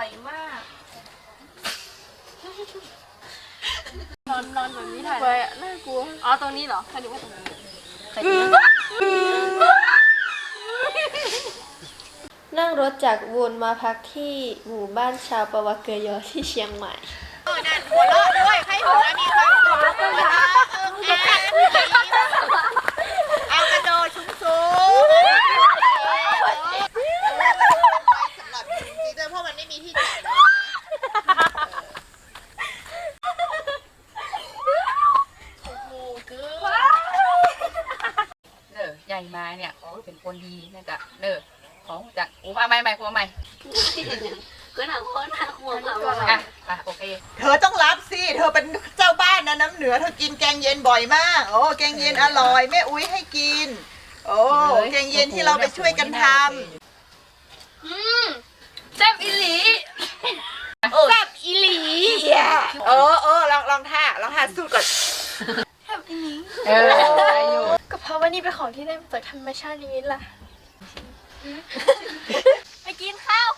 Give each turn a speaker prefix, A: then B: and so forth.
A: อยมากนอนแบบนี้ถ่ายไปน่ากลัวอ๋อตรงนี้เหรอใครดูว่าตรงนี้
B: นั่งรถจากวูนมาพักที่หมู่บ้านชาวปวเกยอที่เชียงใหม่
C: นั่นหัวเราะด้วยให้หัวมีความสุขเอากระโดดสูงๆสำหรับจริงๆเพราะมันไม่มีที่จอดเลย
D: ใหญ่มาเนี่ยเขาเป็นคนดีนี่กะของจากมาใหม่
A: ก็หนักคนหนักหัว
D: อ่ะโอเค
C: เธอต้องรับสิเธอเป็นเจ้าบ้านนะน้ำเหนือเธอกินแกงเย็นบ่อยมากโอ้แกงเย็นอร่อยแม่อุ้ยให้กินโอ้แกงเย็นที่เราไปช่วยกันท
A: แซ่บอีหลีแซ่บอีหลี
C: ลองท่าสู้ก่อน
A: แซ่บอีหลี
D: ได้อยู่
A: ก็เพราะว่านี่เป็นของที่ได้มาจากธรรมชาติอย่างนี้ล่ะไปกินข้าว